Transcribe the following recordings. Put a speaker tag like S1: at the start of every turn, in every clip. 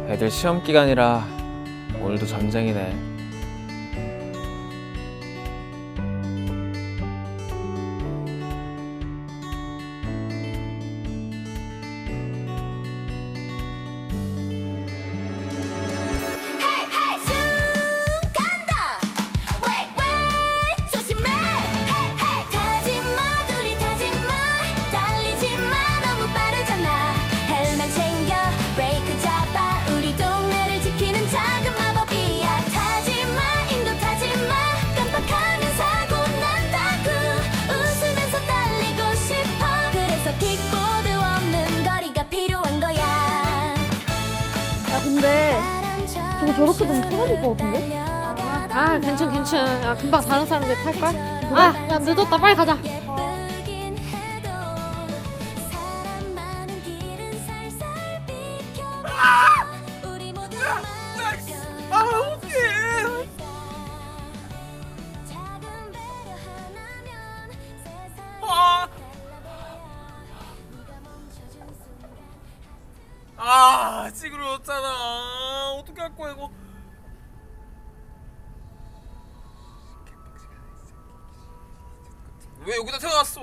S1: 애들 시험 기간이라 오늘도 전쟁이네.
S2: 근데 저거 저렇게 되면 쓰러질 것 같은데?
S3: 아 괜찮. 야 금방 다른 사람들 탈걸? 아 야 늦었다 빨리 가자.
S1: 찌그러졌잖아. 어떻게 할 거야 이거? 왜 여기다 태워놨어?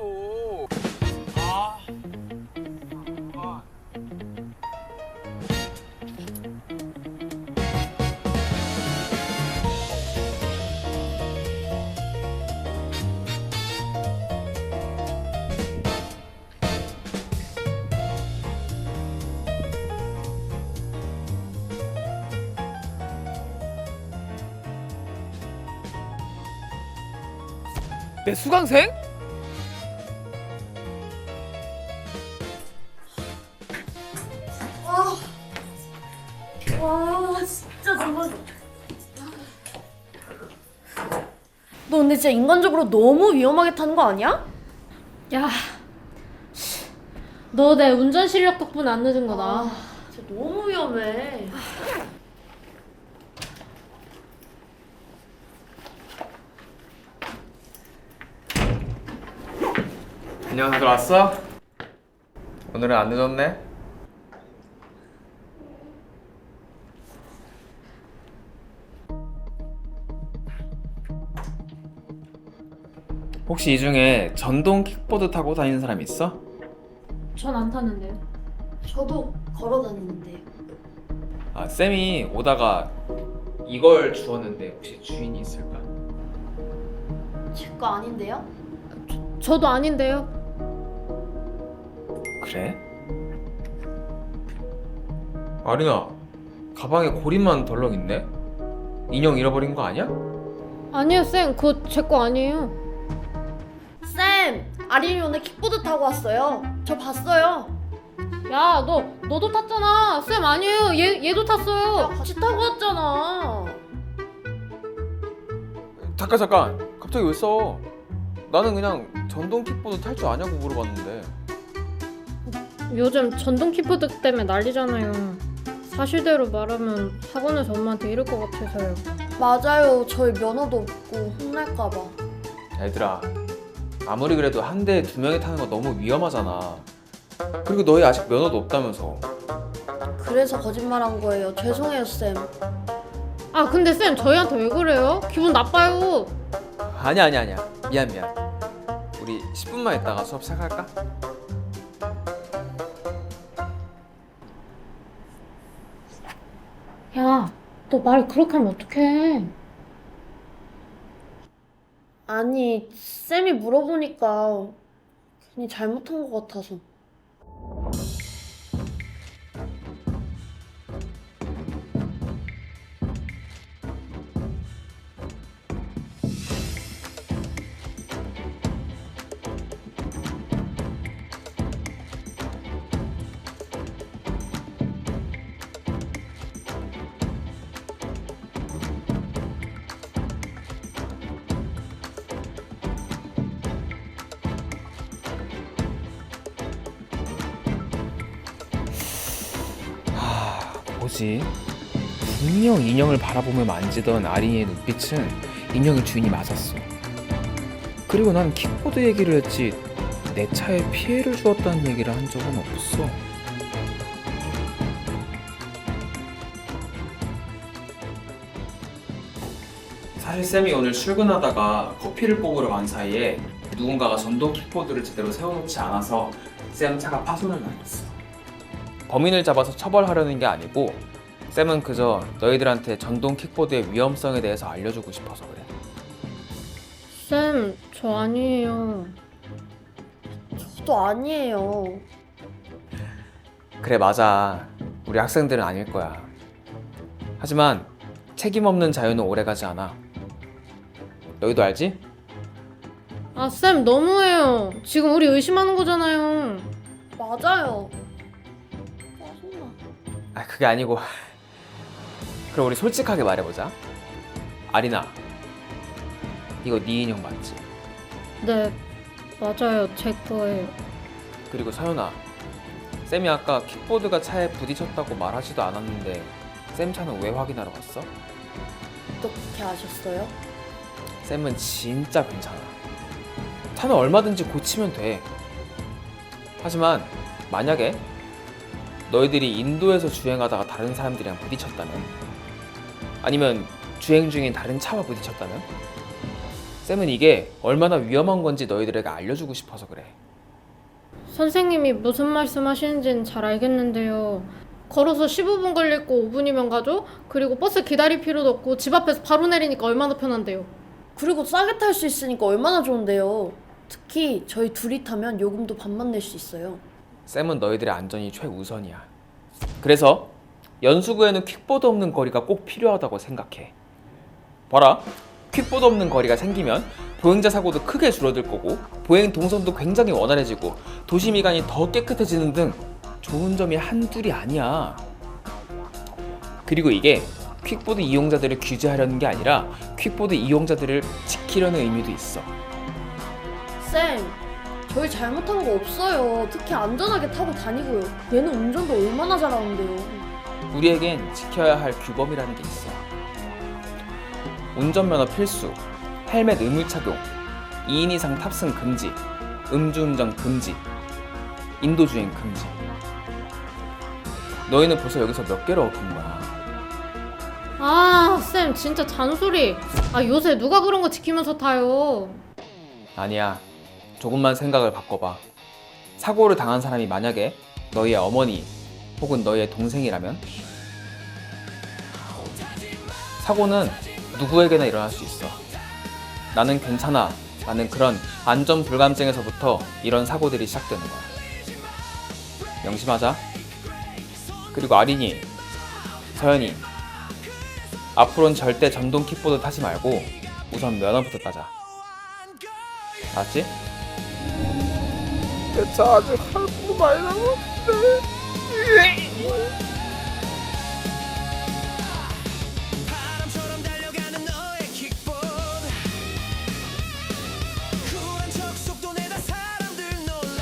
S1: 내 수강생?
S2: 와 진짜 정말. 너 근데 진짜 인간적으로 너무 위험하게 타는 거 아니야?
S3: 야 너 내 운전 실력 덕분에 안 늦은 거다.
S2: 진짜 너무 위험해.
S1: 안녕, 다들 왔어? 오늘은 안 늦었네? 혹시 이 중에 전동 킥보드 타고 다니는 사람 있어?
S3: 전 안 탔는데요.
S2: 저도 걸어 다니는데요.
S1: 아, 쌤이 오다가 이걸 주웠는데 혹시 주인이 있을까?
S2: 제 거 아닌데요?
S3: 저도 아닌데요.
S1: 그래? 아리나, 가방에 고리만 덜렁 있네? 인형 잃어버린 거 아니야?
S3: 아니요 쌤 그거 제 거 아니에요.
S2: 쌤! 아린이 오늘 킥보드 타고 왔어요. 저 봤어요.
S3: 야 너도 탔잖아. 쌤 아니에요. 얘도 탔어요.
S2: 같이 타고 왔잖아.
S1: 잠깐 갑자기 왜 써? 나는 그냥 전동 킥보드 탈 줄 아냐고 물어봤는데.
S3: 요즘 전동 킥보드 때문에 난리잖아요. 사실대로 말하면 학원에서 엄마한테 이럴 것 같아서요.
S2: 맞아요. 저희 면허도 없고 혼날까봐.
S1: 얘들아, 아무리 그래도 한 대에 두 명이 타는 거 너무 위험하잖아. 그리고 너희 아직 면허도 없다면서.
S2: 그래서 거짓말한 거예요. 죄송해요, 쌤.
S3: 아 근데 쌤 저희한테 왜 그래요? 기분 나빠요.
S1: 아니야 미안 우리 10분만 있다가 수업 시작할까?
S3: 야 너 말 그렇게 하면 어떡해.
S2: 아니, 쌤이 물어보니까 괜히 잘못한 것 같아서.
S1: 뭐지? 분명 인형을 바라보며 만지던 아린이의 눈빛은 인형의 주인이 맞았어. 그리고 난 킥보드 얘기를 했지 내 차에 피해를 주었다는 얘기를 한 적은 없어. 사실 쌤이 오늘 출근하다가 커피를 뽑으러 간 사이에 누군가가 전동 킥보드를 제대로 세워놓지 않아서 쌤 차가 파손을 당했어. 범인을 잡아서 처벌하려는 게 아니고 쌤은 그저 너희들한테 전동 킥보드의 위험성에 대해서 알려주고 싶어서 그래.
S3: 쌤, 저 아니에요.
S2: 저도 아니에요.
S1: 그래, 맞아. 우리 학생들은 아닐 거야. 하지만 책임 없는 자유는 오래가지 않아. 너희도 알지?
S3: 아, 쌤, 너무해요. 지금 우리 의심하는 거잖아요.
S2: 맞아요. 짜증나.
S1: 아, 그게 아니고 그럼 우리 솔직하게 말해보자. 아리나, 이거 네 인형 맞지?
S3: 네, 맞아요. 제 거예요.
S1: 그리고 서연아, 쌤이 아까 킥보드가 차에 부딪혔다고 말하지도 않았는데 쌤 차는 왜 확인하러 갔어?
S2: 어떻게 아셨어요?
S1: 쌤은 진짜 괜찮아. 차는 얼마든지 고치면 돼. 하지만 만약에 너희들이 인도에서 주행하다가 다른 사람들이랑 부딪혔다면, 아니면 주행 중인 다른 차와 부딪혔다면, 쌤은 이게 얼마나 위험한 건지 너희들에게 알려주고 싶어서 그래.
S3: 선생님이 무슨 말씀 하시는지는 잘 알겠는데요. 걸어서 15분 걸릴 거 5분이면 가죠? 그리고 버스 기다릴 필요도 없고 집 앞에서 바로 내리니까 얼마나 편한데요.
S2: 그리고 싸게 탈 수 있으니까 얼마나 좋은데요. 특히 저희 둘이 타면 요금도 반만 낼 수 있어요.
S1: 쌤은 너희들의 안전이 최우선이야. 그래서 연수구에는 퀵보드 없는 거리가 꼭 필요하다고 생각해. 봐라, 퀵보드 없는 거리가 생기면 보행자 사고도 크게 줄어들 거고 보행 동선도 굉장히 원활해지고 도시 미관이 더 깨끗해지는 등 좋은 점이 한둘이 아니야. 그리고 이게 퀵보드 이용자들을 규제하려는 게 아니라 퀵보드 이용자들을 지키려는 의미도 있어.
S2: 쌤, 저희 잘못한 거 없어요. 특히 안전하게 타고 다니고요. 얘는 운전도 얼마나 잘하는데요.
S1: 우리에겐 지켜야 할 규범이라는 게 있어. 운전면허 필수, 헬멧 의무 착용, 2인 이상 탑승 금지, 음주운전 금지, 인도주행 금지. 너희는 벌써 여기서 몇 개를 어긴 거야?
S3: 아, 쌤 진짜 잔소리. 아, 요새 누가 그런 거 지키면서 타요.
S1: 아니야. 조금만 생각을 바꿔봐. 사고를 당한 사람이 만약에 너희의 어머니 혹은 너희의 동생이라면, 사고는 누구에게나 일어날 수 있어. 나는 괜찮아 라는 그런 안전 불감증에서부터 이런 사고들이 시작되는 거야. 명심하자. 그리고 아린이, 서연이, 앞으로는 절대 전동 킥보드 타지 말고 우선 면허부터 따자. 알았지? 내 차 아직 할거 많이 남았는데.
S4: 바람처럼 달려가는 너의 킥보드 쿨한 척 속도 내다 사람들 놀라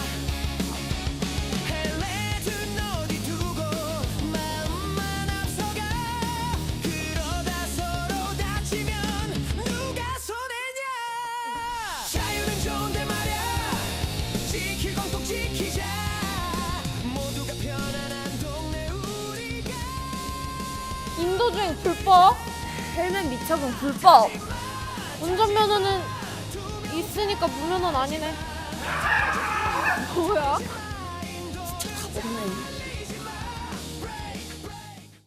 S4: 헬레든 어디 두고 마음만 앞서가 그러다 서로 다치면 누가 손해냐 자유는 좋은데 말야 지킬 건 꼭 지키자 모두가 편안한 동네 우리가
S3: 인도주행 불법?
S2: 헬멧 미착용 불법.
S3: 운전면허는 있으니까 무면허는 아니네. 뭐야?
S2: 없네.